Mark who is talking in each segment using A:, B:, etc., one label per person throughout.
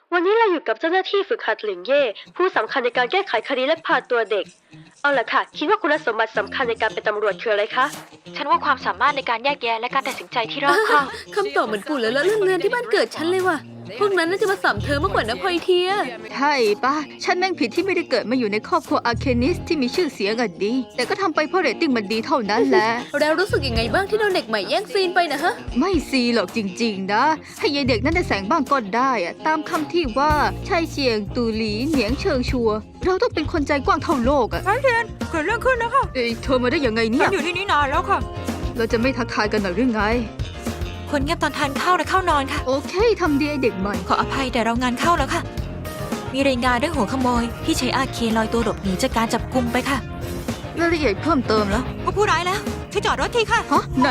A: วันนี้เราอยู่กับเจ้าหน้าที่ฝึกหัดหลิงเย่ผู้สำคัญในการแก้ไขคดีและพาตัวเด็กเอาล่ะค่ะคิดว่าคุณสมบัติสำคัญในการเป็นตำรวจคืออะไรคะ
B: ฉันว่าความสามารถในการแยกแยะและการตัดสินใจที่รอบคอบ
C: คำตอบเหมือนปู่แล้วเรื่องเรียนที่บ้านเกิดฉันเลยว่ะพวกนั้นน่าจะมาสัมเธอมากกว่านะพลอยเทีย
D: ใช่ป่ะฉันแม่งผิดที่ไม่ได้เกิดมาอยู่ในครอบครัวอาร์เคนิสที่มีชื่อเสียงอะดีแต่ก็ทำไปเพราะเรตติ้งมันดีเท่านั้นแหละ
C: แล้วรู้สึกยังไงบ้างที่โดนเด็กใหม่แย่งซีนไปนะฮะ
D: ไม่ซีหรอกจริงๆนะให้ยายเด็กนั้นได้แสงบ้างก็ได้อะตามคำที่ว่าชายเชียงตูหลีเหนียงเชิงชัวเราต้องเป็นคนใจกว้างเท่าโลกอะ
E: ไอเทียนเกิดเรื่องขึ้นนะคะ
D: เธอมาได้ยังไงเนี่
E: ฉั
D: ย
E: นอยู่ที่นี่นานแล้วค่ะ
D: เราจะไม่ทักทายกันหน่อยหรือไง
E: คนเงียบตอนทานข้าวและเข้านอนค่ะ
D: โอเคทำดีไอเด็กใหม่
E: ขออภัยแต่เรางานเข้าแล้วค่ะ มีรายงานเรื่องหัวขโมยที่ใช้อาเคลอยตัวหลบหนีจากการจับกุมไปค่ะ
D: รายละเอียดเพิ่มเติมแล้ว
E: พบผู้ร้ายแล้วช่วยจอดรถทีค่ะ
D: ฮะไหน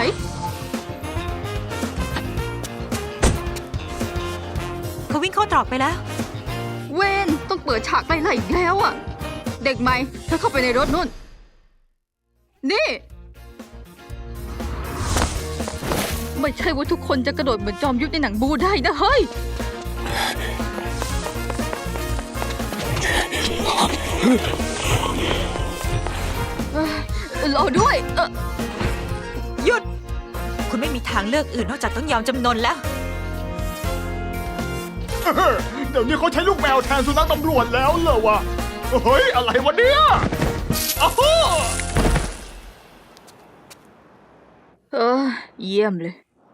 E: เขาวิ่งเข้าตรอกไปแล้ว
D: เวนต้องเปิดฉากไล่ๆอีกแล้วอะเด็กใหม่เธอเข้าไปในรถนู่นนี่ไม่ใช่ว่าทุกคนจะกระโดดเหมือนจอมยุทธในหนังบูได้นะเฮ้ยรอด้วย
E: หยุด คุณไม่มีทางเลือกอื่นนอกจากต้องยอมจำนนแล้ว
F: เดี๋ยวนี้เขาใช้ลูกแมวแทนสุนัขตำรวจแล้วเหรอวะ เฮ้ย อะไรวะเนี่ยอ้าว
D: เยี่ยมเลย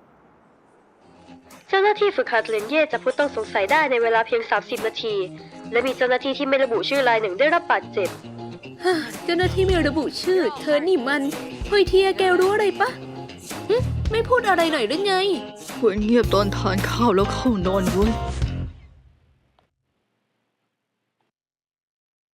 A: เจ้าหน้าที่ฝึกหัดหลิงเย่จับผู้ต้องสงสัยได้ในเวลาเพียง30นาทีและมีเจ้าหน้าที่ที่ไม่ระบุชื่อรายหนึ่งได้รับบาดเจ็บ
C: เจ้าหน้าที่ไม่ระบุชื่อเธอนี่มันพลอยเทียแกรู้อะไรปะไม่พูดอะไรหน่อยหรือไง
D: ควรเงียบตอนทานข้าวแล้วเข้านอนเว้ย